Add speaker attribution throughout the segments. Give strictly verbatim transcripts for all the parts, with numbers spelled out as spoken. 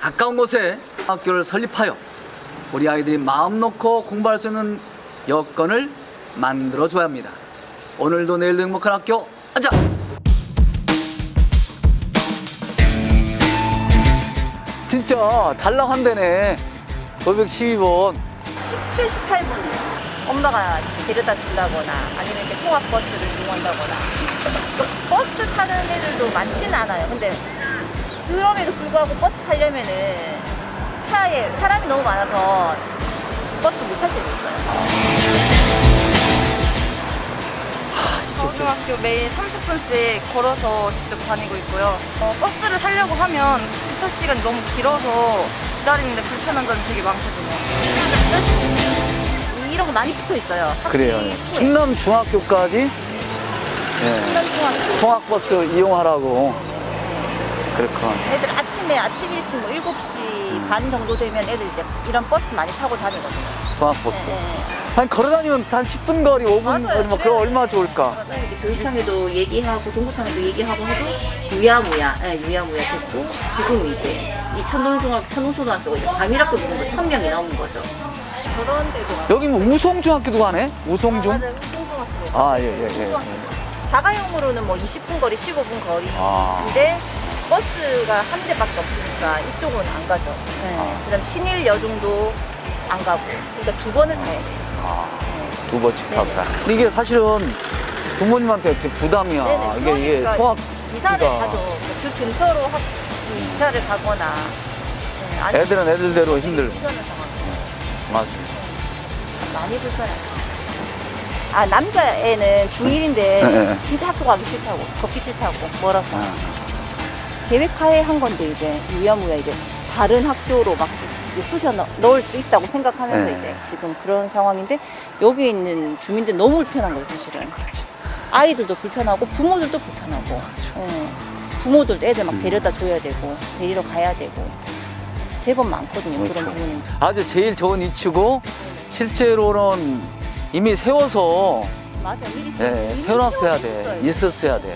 Speaker 1: 가까운 곳에 학교를 설립하여 우리 아이들이 마음 놓고 공부할 수 있는 여건을 만들어줘야 합니다. 오늘도 내일도 행복한 학교, 앉아! 진짜 달랑한데네. 오백십이 번.
Speaker 2: 십칠, 십팔 분이요. 엄마가 데려다 준다거나 아니면 이렇게 통학버스를 이용한다거나. 버스 타는 애들도 많지는 않아요. 근데 그럼에도 불구하고 버스 타려면은 차에 사람이 너무 많아서 버스 못 탈 때도 있어요.
Speaker 3: 중학교 매일 삼십 분씩 걸어서 직접 다니고 있고요. 어, 버스를 타려고 하면 주차 시간이 너무 길어서 기다리는데 불편한 점이 되게 많거든요.
Speaker 2: 이런 거 많이 붙어 있어요.
Speaker 1: 그래요.
Speaker 2: 학기 초에.
Speaker 1: 충남 중학교까지 예,
Speaker 2: 충남중학교.
Speaker 1: 통학버스 이용하라고. 그렇군.
Speaker 2: 애들 아침에 아침 일찍 뭐 일곱 시
Speaker 1: 음.
Speaker 2: 반 정도 되면 애들 이제 이런 버스 많이 타고 다니거든요.
Speaker 1: 통학버스.
Speaker 2: 네, 네.
Speaker 1: 한 걸어다니면 한 십 분 거리, 오 분
Speaker 2: 맞아요.
Speaker 1: 거리, 막 그럼 얼마나 좋을까.
Speaker 4: 이제 교육청에도 얘기하고 동구청에도 얘기하고 해도 유야무야, 예, 유야무야 됐고 지금 이제 이 천동중학 천동초등학교가 이제 과밀학교 부분도 천 명이 넘은 거죠.
Speaker 2: 저런 데도 많아요.
Speaker 1: 여기 뭐 우송중학교도 가네? 우송중?
Speaker 2: 아, 맞아요. 우송중학교.
Speaker 1: 아, 예, 예, 예.
Speaker 2: 자가용으로는 뭐 이십 분 거리, 십오 분 거리인데
Speaker 1: 아.
Speaker 2: 버스가 한 대밖에 없으니까 이쪽은 안 가죠. 네.
Speaker 1: 아.
Speaker 2: 그다음 신일 여중도 안 가고. 그러니까 두 번을 가야 돼요.
Speaker 1: 아,
Speaker 2: 네.
Speaker 1: 두 번씩
Speaker 2: 네네.
Speaker 1: 타고 가. 이게 사실은 부모님한테 되게 부담이야.
Speaker 2: 네네.
Speaker 1: 이게, 이게
Speaker 2: 그러니까
Speaker 1: 통학.
Speaker 2: 이사를
Speaker 1: 그러니까.
Speaker 2: 가죠. 그 근처로 학, 그 이사를 가거나. 네. 아니,
Speaker 1: 애들은 애들대로 힘들.
Speaker 2: 불편한 상황이에요.
Speaker 1: 맞아.
Speaker 2: 많이 불편해요. 아, 남자애는 중일인데
Speaker 1: 네.
Speaker 2: 진짜 학교 가기 싫다고, 걷기 싫다고, 멀어서.
Speaker 1: 아.
Speaker 2: 계획하에 한 건데, 이제, 유야무야, 이제, 다른 학교로 막 쑤셔 넣- 넣을 수 있다고 생각하면서
Speaker 1: 네.
Speaker 2: 이제 지금 그런 상황인데, 여기 있는 주민들 너무 불편한 거예요, 사실은.
Speaker 1: 그렇지.
Speaker 2: 아이들도 불편하고, 부모들도 불편하고. 예. 부모들도 애들 막
Speaker 1: 음.
Speaker 2: 데려다 줘야 되고, 데리러 가야 되고. 제법 많거든요, 그런
Speaker 1: 그렇죠.
Speaker 2: 부모님.
Speaker 1: 아주 제일 좋은 위치고, 실제로는 이미 세워서,
Speaker 2: 맞아요, 미리
Speaker 1: 예,
Speaker 2: 이미
Speaker 1: 세워놨어야 돼.
Speaker 2: 세워놨어요.
Speaker 1: 있었어야 돼.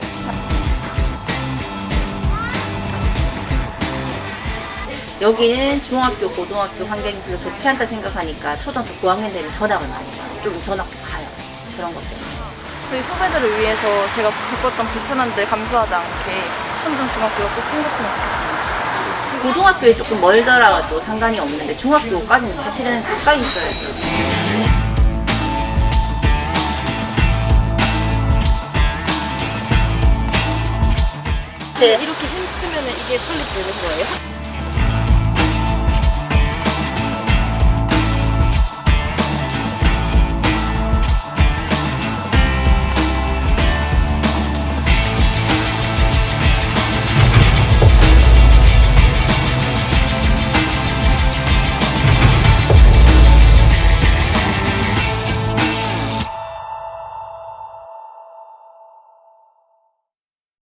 Speaker 4: 여기는 중학교, 고등학교 환경이 별로 좋지 않다 생각하니까 초등학교 고학년 되면 전학을 많이 가요. 좀 전학도 가요. 그런 것 때문에.
Speaker 3: 저희 후배들을 위해서 제가 겪었던 불편함들 감수하지 않게 천동중학교가 꼭 생겼으면 좋겠습니다.
Speaker 4: 고등학교에 조금 멀더라도 상관이 없는데 중학교까지는 사실은 가까이 있어야죠.
Speaker 3: 이렇게 힘쓰면 이게 설립되는 거예요?